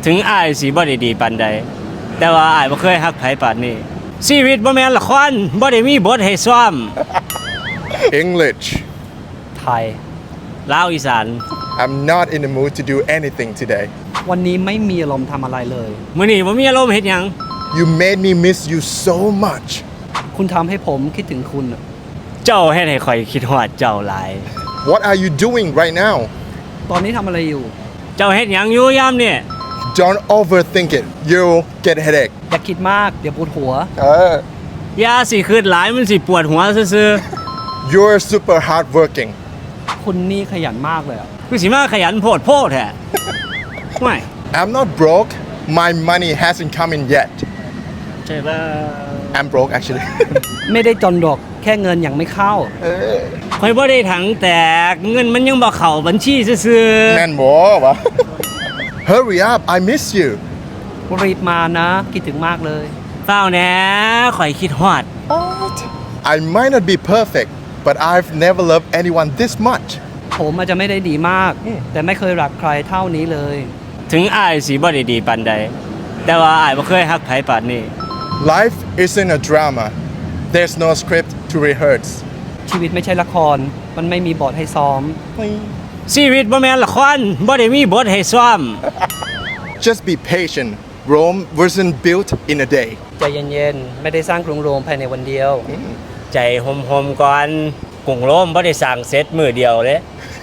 ถึงอ้ายสิบ่ได้ดีปานใดแต่ว่าอ้ายบ่เคยฮักไผปานนี้ชีวิตบ่แม่นละครบ่ได้มีบทให้ซ้อม English. ไทยลาวอีสาน I'm not in the mood to do anything today. วันนี้ไม่มีอารมณ์ทำอะไรเลยมื้อนี้บ่มีอารมณ์เฮ็ดหยัง You made me miss you so much. คุณทำให้ผมคิดถึงคุณอะเจ้าเฮ็ดให้ข่อยคิดฮอดเจ้าหลาย What are you doing right now? ตอนนี้ทำอะไรอยู่เจ้าเฮ็ดหยังอยู่ยามนี่ Don't overthink it. You'll get a headache. อย่าคิดมาก เดี๋ยวปวดหัวอย่าสิคิดหลายมันสิปวดหัวซื่อ You're super hardworking. คุณนี่ขยันมากเลยอะๆคือสิมาขยันโพดโพดแท้ไม่ I'm not broke. My money hasn't come in yet. ใช่ป่ะ I'm broke actually. ไม่ได้จนดอกแค่เงินยังไม่เข้าข่อยบ่ได้ถังแตกเงินมันยังบ่เข้าบัญชีซื่อ Man, boy. Hurry up. I miss you. รีบมานะ คิดถึงมากเลยๆเฝ้าแหน่ข่อยคิดฮอด I might not be perfect, but I've never loved anyone this much. ผมอาจจะไม่ได้ดีมาก แต่ไม่เคยรักใครเท่านี้เลยถึงอ้ายสิบ่ได้ดีปานใดแต่ว่าอ้ายบ่เคยฮักไผปานนี้ Life isn't a drama. There's no script to rehearse. ชีวิตไม่ใช่ละคร มันไม่มีบทให้ซ้อมชีวิตบ่แม่นละครบ่ได้มีบทให้ซ้อม Just be patient. Rome wasn't built in a day. ใจเย็นๆ ไม่ได้สร้างกรุงโรมภายในวันเดียวใจหมๆก่อนกรุงโรมบ่ได้สร้างเสร็จมื้อเดียวเด้